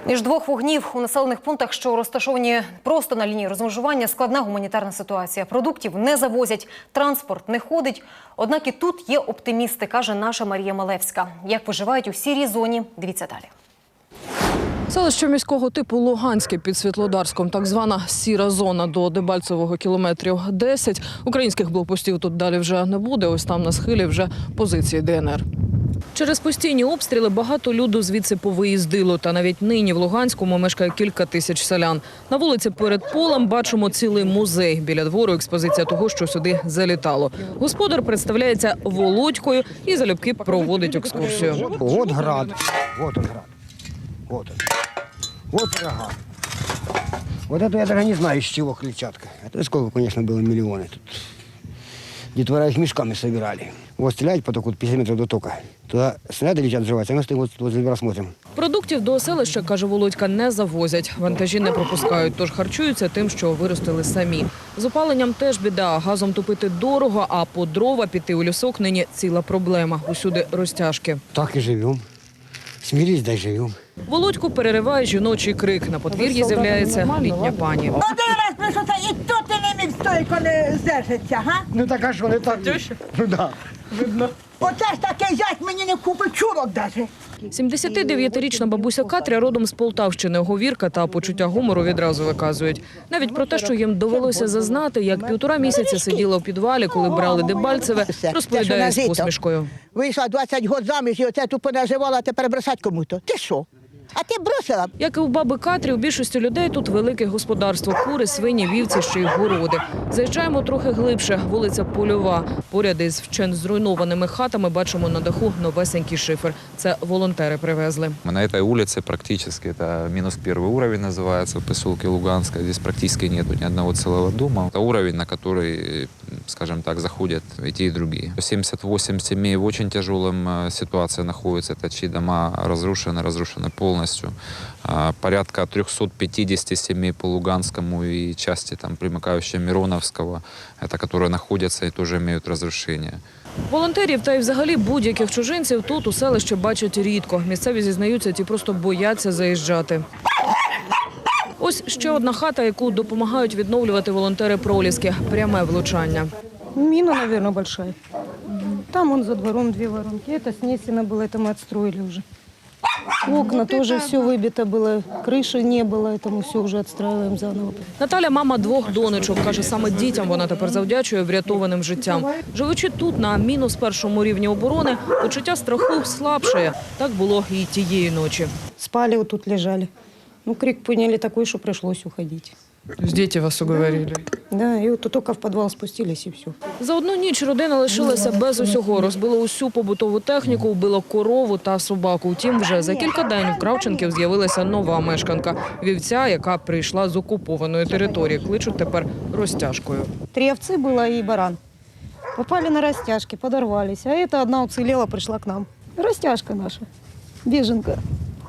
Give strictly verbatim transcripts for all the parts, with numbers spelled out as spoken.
Між двох вогнів у населених пунктах, що розташовані просто на лінії розмежування, складна гуманітарна ситуація. Продуктів не завозять, транспорт не ходить. Однак і тут є оптимісти, каже наша Марія Малевська. Як виживають у сірій зоні, дивіться далі. Селище міського типу Луганське під Світлодарськом, так звана сіра зона до Дебальцевого кілометрів десять. Українських блокпостів тут далі вже не буде, ось там на схилі вже позиції Де Ен Ер. Через постійні обстріли багато люду звідси повиїздило. Та навіть нині в Луганському мешкає кілька тисяч селян. На вулиці перед полем бачимо цілий музей. Біля двору експозиція того, що сюди залітало. Господар представляється Володькою і залюбки проводить екскурсію. Вот град, вот он град, вот он, вот врага. Вот это я даже не знаю, из чего клетчатка. Это сколько, конечно, было миллионы тут. Детвора их мешками собирали. Вот стреляют по току пятьдесят метров до тока. Туда снаряды летят, взрываются, а мы стоим вот возле двора смотрим. Продуктів до селища, каже Володька, не завозять. Вантажі не пропускають, тож харчуються тим, що виростили самі. З опаленням теж біда. Газом топити дорого, а по дрова піти у лісок нині ціла проблема. Усюди розтяжки. Так и живем. Смирись, дай живем. Володьку перериває жіночий крик. На подвір'ї з'являється літня пані. Один раз прийшовся, і тут ти не міг стойко не здержиться, га? Ну так а что, не так? Ну да. Оце ж такий зять мені не купить чурок даже. сімдесятидев'ятирічна бабуся Катря родом з Полтавщини. Говірка та почуття гумору відразу виказують. Навіть про те, що їм довелося зазнати, як півтора місяця сиділа у підвалі, коли брали Дебальцеве, розповідає з посмішкою. Вийшла двадцять років заміж, і оце тут понаживала, а тепер бросать кому-то. Ти що? А ти бросила? Як і у баби Катрі, у більшості людей тут велике господарство. Кури, свині, вівці, ще й городи. Заїжджаємо трохи глибше. Вулиця Польова. Поряд із вщент зруйнованими хатами бачимо на даху новесенький шифер. Це волонтери привезли. На этой улице практически, это минус первый уровень называется, в поселке Луганское. Здесь практически нету ни одного целого дома. Это уровень, на который, скажем так, заходят и те, и другие. семьдесят восемь семей в очень тяжелом ситуации находятся. Это чьи дома разрушены, разрушены полностью. Порядка триста пятьдесят семей по Луганскому и части там примыкающие Мироновского, это которые находятся и тоже имеют разрушения. Волонтерів та й взагалі будь-яких чужинців тут у селищі бачать рідко. Місцеві зізнаються, ті просто бояться заїжджати. Ось ще одна хата, яку допомагають відновлювати волонтери Проліски. Пряме влучання. Мина, наверное, большая. Там он за двором две воронки. Это снесено было, это мы отстроили уже. Окна вот тоже это... все выбито было, крыши не было, это мы все уже отстраиваем заново. Наталя – мама двох донечок. Каже, саме дітям вона тепер завдячує врятованим життям. Живучи тут на мінус першому рівні оборони, почуття страху слабшає. Так було і тієї ночі. Спали, вот тут лежали. Ну, крик поняли такой, что пришлось уходить. Діти вас уговорили? Да, и вот только в подвал спустились и все. За одну ніч родина лишилася без усього. Розбило усю побутову техніку, вбило корову та собаку. Втім, вже за кілька днів у Кравченків з'явилася нова мешканка – вівця, яка прийшла з окупованої території. Кличуть тепер розтяжкою. Три овцы было и баран. Попали на растяжки, подорвались. А эта одна уцелела, пришла к нам. Растяжка наша, беженка.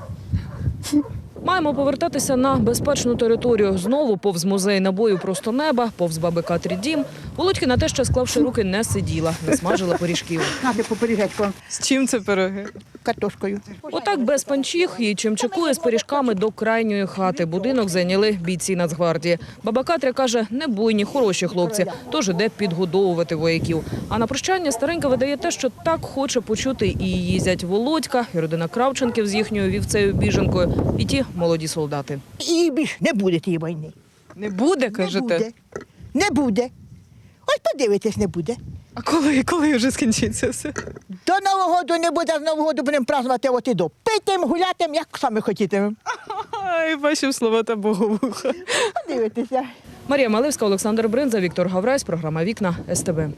Маємо повертатися на безпечну територію. Знову повз музей набою просто неба, повз баби Катрі дім. Володькина теж, склавши руки, не сиділа, не смажила пиріжків. Надо попережечку. З чим це пироги? Картошкою. Отак без панчіх її чимчикує з пиріжками до крайньої хати. Будинок зайняли бійці Нацгвардії. Баба Катря каже, не буйні, хороші хлопці, тож іде підгодовувати вояків. А на прощання старенька видає те, що так хоче почути і її зять Володька, і родина Кравченків з їхньою вівцею-біженкою, і ті молоді солдати. І більш не буде тієї війни. Не буде, Не буде. Не буде. Ось подивитесь, не буде. А коли, коли вже скінчиться все? До Нового року не буде, з Нового року будемо празднувати от і до. Питим, гулятим, як самі хотітимемо. Ай, бачив слова та боговуха. Подивитеся. Марія Малевська, Олександр Бринза, Віктор Гаврась, програма «Вікна», ес те бе.